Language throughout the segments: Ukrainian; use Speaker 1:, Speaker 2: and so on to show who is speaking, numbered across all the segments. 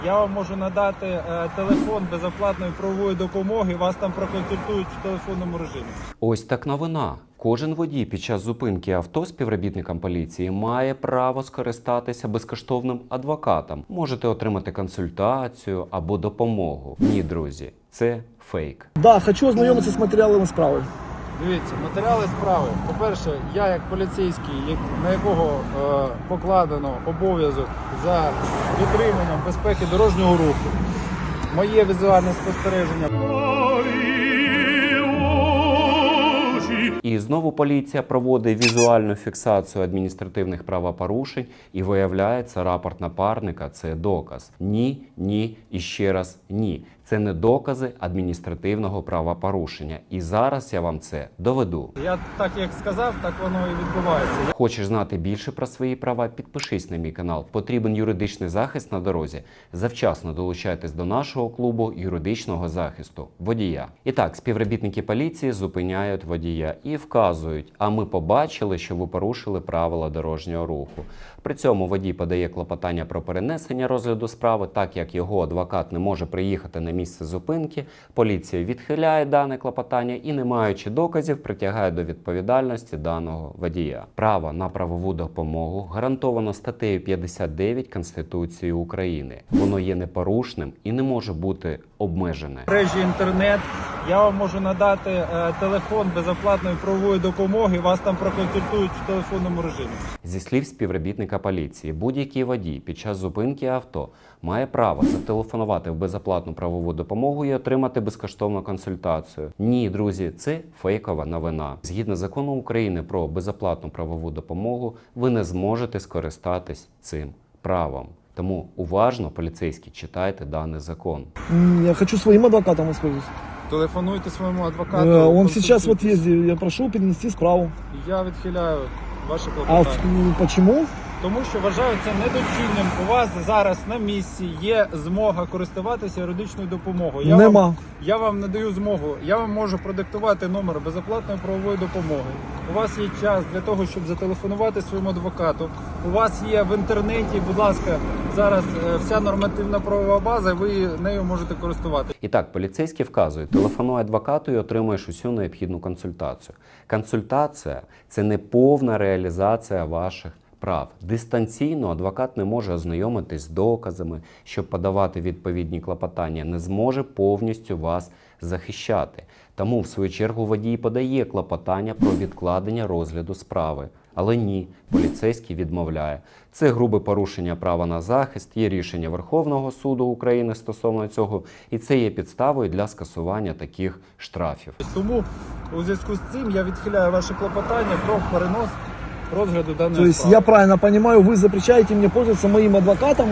Speaker 1: Я вам можу надати телефон безоплатної правової допомоги, вас там проконсультують в телефонному режимі.
Speaker 2: Ось так новина. Кожен водій під час зупинки авто співробітникам поліції має право скористатися безкоштовним адвокатом. Можете отримати консультацію або допомогу. Ні, друзі, це фейк.
Speaker 3: Да, хочу ознайомитися з матеріалами справи.
Speaker 1: Дивіться, матеріали справи. По-перше, я як поліцейський, на якого покладено обов'язок за дотриманням безпеки дорожнього руху, моє візуальне спостереження.
Speaker 2: І знову поліція проводить візуальну фіксацію адміністративних правопорушень і виявляється, рапорт напарника – це доказ. Ні, ні і ще раз ні. Це не докази адміністративного правопорушення. І зараз я вам це доведу.
Speaker 1: Я так як сказав, так воно і відбувається.
Speaker 2: Хочеш знати більше про свої права? Підпишись на мій канал. Потрібен юридичний захист на дорозі? Завчасно долучайтесь до нашого клубу юридичного захисту водія. І так, співробітники поліції зупиняють водія і вказують, а ми побачили, що ви порушили правила дорожнього руху. При цьому водій подає клопотання про перенесення розгляду справи, так як його адвокат не може приїхати на місце зупинки, поліція відхиляє дане клопотання і, не маючи доказів, притягає до відповідальності даного водія. Право на правову допомогу гарантовано статтею 59 Конституції України. Воно є непорушним і не може бути обмежене.
Speaker 1: В мережі інтернет я вам можу надати телефон безоплатної правової допомоги, вас там проконсультують в телефонному режимі.
Speaker 2: Зі слів співробітника поліції, будь-який водій під час зупинки авто має право зателефонувати в безоплатну правову допомогу і отримати безкоштовну консультацію. Ні, друзі, це фейкова новина. Згідно закону України про безоплатну правову допомогу, ви не зможете скористатись цим правом. Тому уважно, поліцейські, читайте даний закон.
Speaker 3: Я хочу своим адвокатом воспользоваться.
Speaker 1: Телефонуйте своєму адвокату.
Speaker 3: Он сейчас вот ездит, я прошу перенести справу.
Speaker 1: Я відхиляю ваше
Speaker 3: А
Speaker 1: клопотання.
Speaker 3: почему?
Speaker 1: Тому що вважаю це недоцільним. У вас зараз на місці є змога користуватися юридичною допомогою.
Speaker 3: Нема.
Speaker 1: Я вам надаю змогу. Я вам можу продиктувати номер безоплатної правової допомоги. У вас є час для того, щоб зателефонувати своєму адвокату. У вас є в інтернеті, будь ласка, зараз вся нормативна правова база, ви нею можете користуватися.
Speaker 2: І так, поліцейські вказують, телефонуй адвокату і отримаєш усю необхідну консультацію. Консультація – це не повна реалізація ваших прав. Дистанційно адвокат не може ознайомитись з доказами, щоб подавати відповідні клопотання, не зможе повністю вас захищати. Тому, в свою чергу, водій подає клопотання про відкладення розгляду справи. Але ні, поліцейський відмовляє. Це грубе порушення права на захист, є рішення Верховного суду України стосовно цього, і це є підставою для скасування таких штрафів.
Speaker 1: Тому у зв'язку з цим я відхиляю ваше клопотання про перенос розгляду даної
Speaker 3: То есть
Speaker 1: справи.
Speaker 3: я правильно понимаю, вы запрещаете мне пользоваться моим адвокатом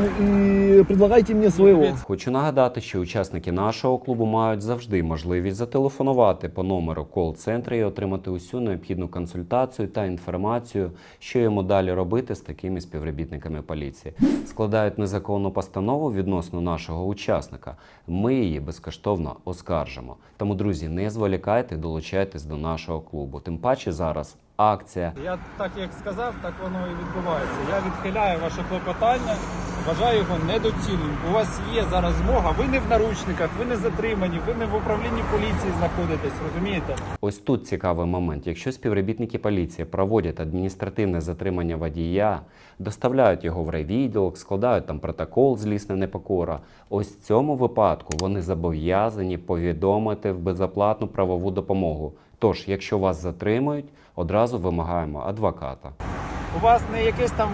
Speaker 3: и предлагаете мне своего?
Speaker 2: Хочу нагадати, що учасники нашого клубу мають завжди можливість зателефонувати по номеру кол-центру і отримати усю необхідну консультацію та інформацію, що йому далі робити з такими співробітниками поліції. Складають незаконну постанову відносно нашого учасника. Ми її безкоштовно оскаржимо. Тому, друзі, не зволікайте, долучайтесь до нашого клубу. Тим паче зараз акція.
Speaker 1: Я так як сказав, так воно і відбувається. Я відхиляю ваше клопотання, вважаю його недоцільним. У вас є зараз змога, ви не в наручниках, ви не затримані, ви не в управлінні поліції знаходитесь, розумієте?
Speaker 2: Ось тут цікавий момент. Якщо співробітники поліції проводять адміністративне затримання водія, доставляють його в райвідділок, складають там протокол злісна непокора, ось в цьому випадку вони зобов'язані повідомити в безоплатну правову допомогу. Тож, якщо вас затримують, одразу вимагаємо адвоката.
Speaker 1: У вас не якесь там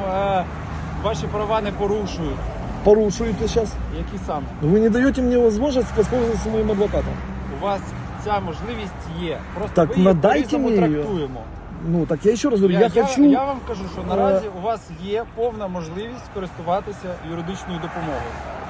Speaker 1: ваші права не порушують.
Speaker 3: Порушуете сейчас.
Speaker 1: Які саме?
Speaker 3: Вы не даете мне возможность воспользоваться моим адвокатом.
Speaker 1: У вас ця можливість є. Просто
Speaker 3: Так,
Speaker 1: ви її
Speaker 3: надайте
Speaker 1: по-різному
Speaker 3: мені її.
Speaker 1: трактуємо.
Speaker 3: Ну, так я еще раз говорю, я хочу...
Speaker 1: Я вам кажу, що наразі у вас є повна можливість користуватися юридичною допомогою.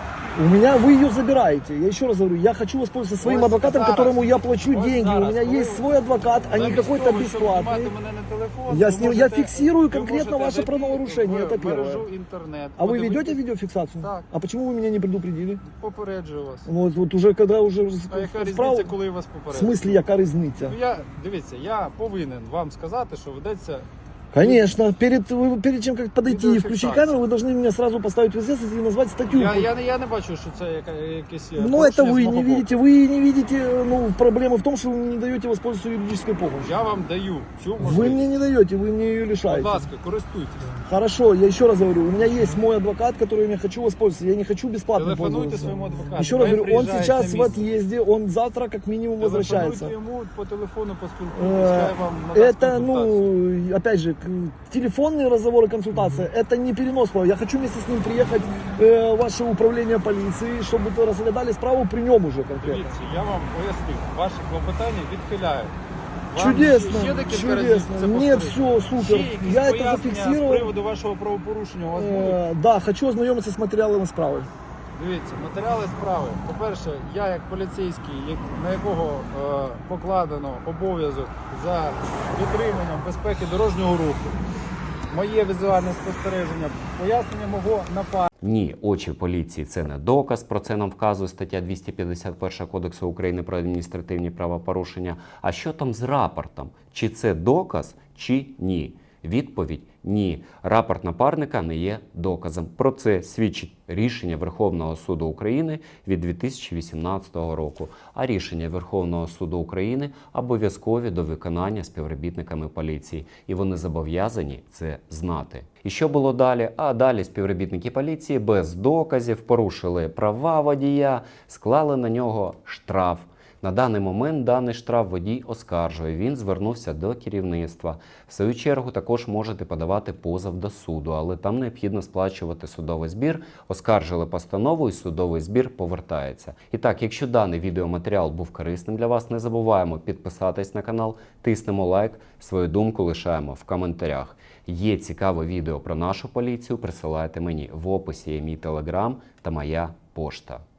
Speaker 3: У меня вы ее забираете. Я еще раз говорю, я хочу воспользоваться своим
Speaker 1: Вот
Speaker 3: адвокатом,
Speaker 1: зараз,
Speaker 3: которому я плачу
Speaker 1: вот
Speaker 3: деньги.
Speaker 1: зараз,
Speaker 3: У меня
Speaker 1: коли
Speaker 3: есть свой адвокат, а не
Speaker 1: Замість
Speaker 3: какой-то
Speaker 1: того, щоб
Speaker 3: бесплатный.
Speaker 1: знімати мене на телефон,
Speaker 3: Я
Speaker 1: ви
Speaker 3: с ним-
Speaker 1: можете-
Speaker 3: фиксирую
Speaker 1: ви
Speaker 3: конкретно
Speaker 1: можете
Speaker 3: ваше
Speaker 1: зайти
Speaker 3: правонарушение,
Speaker 1: в
Speaker 3: это первое.
Speaker 1: мережу інтернет.
Speaker 3: А вы
Speaker 1: подивитись.
Speaker 3: ведете видеофиксацию?
Speaker 1: Так.
Speaker 3: А почему вы меня не предупредили?
Speaker 1: Попереджую вас.
Speaker 3: Вот уже когда уже
Speaker 1: А яка
Speaker 3: справа...
Speaker 1: різниця, коли вас
Speaker 3: В
Speaker 1: попереджую?
Speaker 3: смысле, яка різниця?
Speaker 1: Ну, дивіться, я повинен вам сказати, що ведеться
Speaker 3: Конечно, перед чем как подойти и включить
Speaker 1: Видеофиксация.
Speaker 3: камеру, вы должны меня сразу поставить в известность и назвать статью.
Speaker 1: Я не бачу, що це якесь
Speaker 3: Ну, это
Speaker 1: порушення
Speaker 3: вы
Speaker 1: з мого
Speaker 3: не
Speaker 1: боку.
Speaker 3: видите. Вы не видите, ну, проблема в том, что вы мне не даете воспользоваться юридической помощью.
Speaker 1: Я вам даю цю
Speaker 3: Вы
Speaker 1: можливість.
Speaker 3: мне не даете, вы мне ее
Speaker 1: Будь
Speaker 3: лишаете.
Speaker 1: ласка, користуйтесь.
Speaker 3: Хорошо, я еще раз говорю, у меня есть мой адвокат, которым я хочу воспользоваться. Я не хочу бесплатно
Speaker 1: Телефонуйте
Speaker 3: пользоваться.
Speaker 1: своєму адвокату.
Speaker 3: Еще раз
Speaker 1: Хай
Speaker 3: говорю, он
Speaker 1: приїжджає
Speaker 3: сейчас
Speaker 1: на
Speaker 3: в
Speaker 1: місце.
Speaker 3: отъезде, он завтра как минимум возвращается.
Speaker 1: Телефонуйте йому по телефону, поспілкуйтесь, хай вам надасть
Speaker 3: Это,
Speaker 1: консультацію.
Speaker 3: ну, опять же, телефонные разговоры, консультация, это не перенос права. Я хочу вместе с ним приехать в ваше управление полиции, чтобы вы разглядали справу при нем уже конкретно.
Speaker 1: Дивіться, я вам поясню, ваші клопотання відхиляють. Вам
Speaker 3: Чудесно,
Speaker 1: ще декілька разів
Speaker 3: чудесно.
Speaker 1: це
Speaker 3: Нет,
Speaker 1: повторити?
Speaker 3: все, супер.
Speaker 1: Ще якісь
Speaker 3: Я это
Speaker 1: пояснення
Speaker 3: зафиксировал.
Speaker 1: з приводу вашого правопорушення у вас будуть?
Speaker 3: Да, хочу ознакомиться с материалами справы.
Speaker 1: Дивіться, матеріали справи. По-перше, я як поліцейський, на якого покладено обов'язок за дотриманням безпеки дорожнього руху, моє візуальне спостереження, пояснення мого напарника.
Speaker 2: Ні, очі поліції – це не доказ, про це нам вказує стаття 251 Кодексу України про адміністративні правопорушення. А що там з рапортом? Чи це доказ, чи ні? Відповідь – ні. Рапорт напарника не є доказом. Про це свідчить рішення Верховного суду України від 2018 року. А рішення Верховного суду України обов'язкові до виконання співробітниками поліції. І вони зобов'язані це знати. І що було далі? А далі співробітники поліції без доказів порушили права водія, склали на нього штраф. На даний момент даний штраф водій оскаржує, він звернувся до керівництва. В свою чергу також можете подавати позов до суду, але там необхідно сплачувати судовий збір. Оскаржили постанову і судовий збір повертається. І так, якщо даний відеоматеріал був корисним для вас, не забуваємо підписатись на канал, тиснемо лайк, свою думку лишаємо в коментарях. Є цікаве відео про нашу поліцію, присилайте мені. В описі є мій телеграм та моя пошта.